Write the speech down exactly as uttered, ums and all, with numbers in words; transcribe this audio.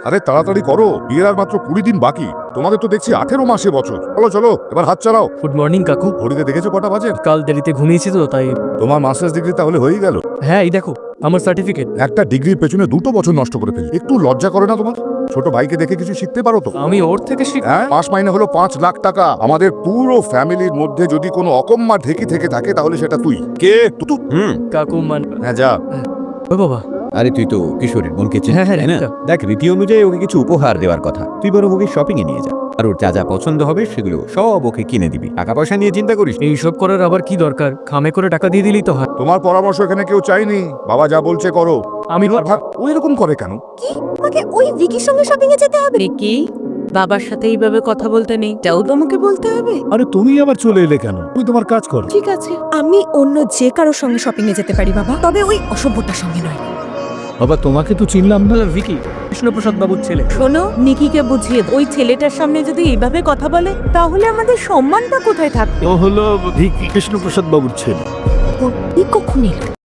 আরে তাড়াতাড়ি করো, বিয়ের আর মাত্র কুড়ি দিন বাকি। তোমাদের তো দেখছি আঠেরো মাসে বছর। চলো চলো, এবার হাত চালাও। গুড মর্নিং কাকু। ঘড়িতে দেখেছো কটা বাজে? কাল দেরিতে ঘুমিয়েছি তো তাই। তোমার মাস্টার্স ডিগ্রি তাহলে হয়েই গেল। হ্যাঁ এই দেখো আমার সার্টিফিকেট। একটা ডিগ্রির পেছনে দুটো বছর নষ্ট করে ফেলি, একটু লজ্জা করে না তোমার? ছোট ভাইকে দেখে কিছু শিখতে পারো তো। আমি ওর থেকে শিখ। হ্যাঁ, মাস মাইনে হলো পাঁচ লাখ টাকা। আমাদের পুরো ফ্যামিলির মধ্যে যদি কোনো অকম্মা ঢেকি থেকে থাকে তাহলে সেটা তুই। কে তুই? হুম কাকু মান। হ্যাঁ যা। ও বাবা। আরে তুই তো কিশোরীর বোনকে চিনিস, হ্যাঁ, হ্যাঁ, তাই না? একটা। দেখ, রীতি অনুযায়ী ওকে কিছু উপহার দেওয়ার কথা। তুই বরং ওকে শপিং এ নিয়ে যা, আর ওর যা যা পছন্দ হবে সেগুলো সব ওকে কিনে দিবি। টাকা পয়সা নিয়ে চিন্তা করিস না। এইসব করার আবার কি দরকার? খামে করে টাকা দিয়ে দিলেই তো হয়। তোমার পরামর্শ এখানে কেউ চাইনি, বাবা যা বলছে করো। আমি ভাব ও এরকম করে কেন? কি আমাকে ওই ভিকির সঙ্গে শপিং এ যেতে হবে? কি বাবার সাথে এইভাবে কথা বলতে নেই, এটাও তোমাকে বলতে হবে? আরে তুমি আবার চলে এলে কেন? তুমি তোমার কাজ করো। ঠিক আছে, আমি অন্য যে কারোর সঙ্গে শপিং এ যেতে পারি বাবা, তবে ওই অসভ্যটার সঙ্গে নয়। বাবা তোমাকে তো চিনলাম না। ভিকি কৃষ্ণপ্রসাদ বাবুর ছেলে। শোনো, নিকিকে বুঝিয়ে দাও, ওই ছেলেটার সামনে যদি এইভাবে কথা বলে তাহলে আমাদের সম্মানটা কোথায় থাকবে? ও হলো ভিকি কৃষ্ণপ্রসাদ বাবুর ছেলে। ও, এই কখন এলো?